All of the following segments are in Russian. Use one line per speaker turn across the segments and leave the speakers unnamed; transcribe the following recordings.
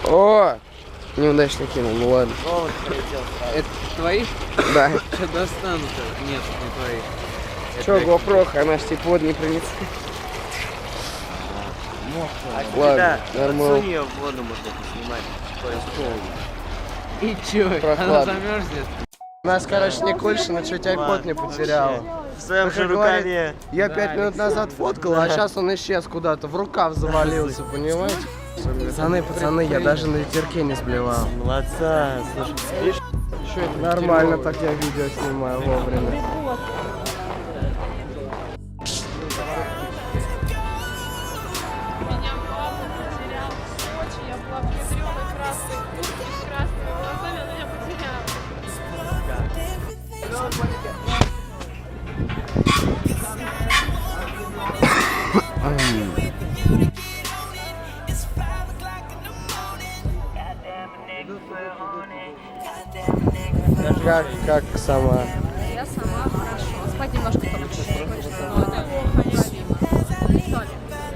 О! Неудачно кинул, ну ладно.
О, полетел сразу.
Это твои?
Да.
Что достанут-то? Нет, не твои.
Че, GoPro, она ж типа вот не принесла. Ладно, нормально.
Подсунь ее в воду, можно поснимать.
И чё? Она
Прохладно.
замерзнет?
У нас, короче, Никольшина чуть айпод не потеряла.
В своем же
Как говорит,
рукаве.
я 5 минут назад фоткал, а сейчас он исчез куда-то, в рукав завалился, понимаете? Пацаны, я даже на ветерке не сблевал.
Молодца. Слушай, видишь?
Нормально так я видео снимаю вовремя.
Меня папа потерял в Сочи, я была в ядреной красной куртке, с красными глазами, она меня потеряла.
Как сама?
Я сама хорошо. Спать немножко только чуть-чуть хочется, но это неправильно.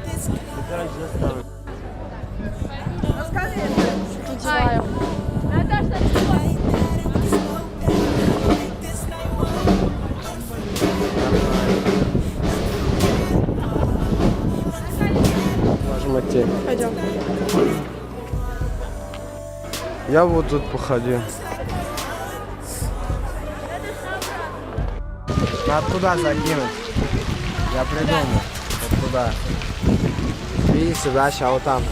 Ай, Наташа,
Можем идти.
пойдем.
Я вот тут походил. Надо туда закинуть. Я придумал. Вот туда. Видите, да, сейчас вот там.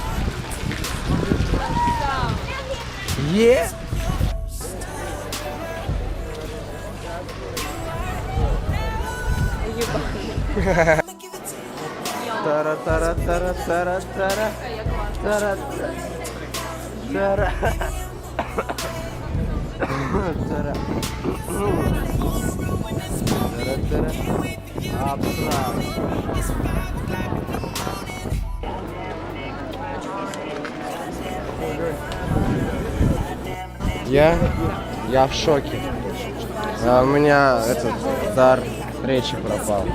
Е! Тара-тара-тара-тара-тара. Тара-тара. Тара. Тара-тара. Абстракт. Я в шоке. У меня этот дар речи пропал.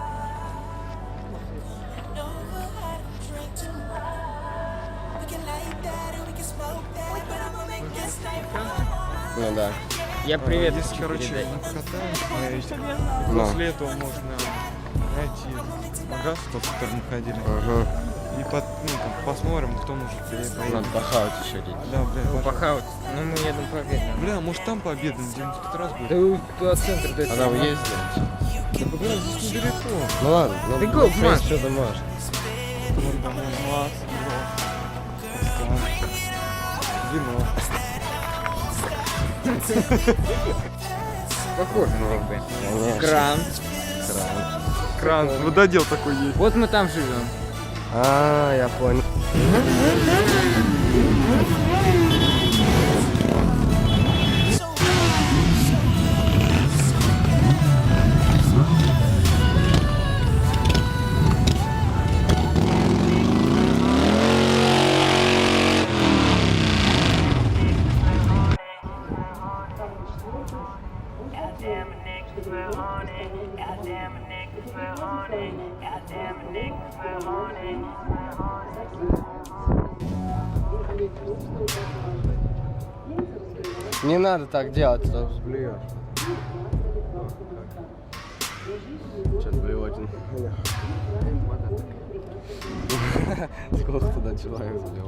Ну да.
Я привет.
Здесь, короче, мы покатаемся,
Ну.
после этого можно найти магаз, тот, в который мы ходили,
Ага.
и там посмотрим, кто может поедет.
Надо похавать еще идти.
Да, бля, пожалуйста.
Похавать. Ну мы едем по обеду.
Бля, может там пообедаем, где-нибудь в тот раз будет?
Да туда центр, да.
Когда вы ездите?
Да, бля, здесь недалеко.
Ну ладно, ну
Ты гоп, Маш.
что-то можешь.
Вот там мас, вино.
Похоже, как бы.
Конечно.
Кран.
Кран, вододел такой есть.
Вот мы там живем.
А, я понял.
Goddamn niggas we're on it. Goddamn niggas we're on it. Goddamn niggas we're on it.
Не надо так делать, а то сблюешь. Что-то блюет. Сколько туда человек сблевал?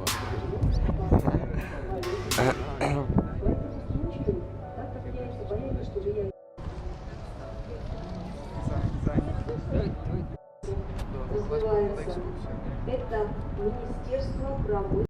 Это Министерство правосудия.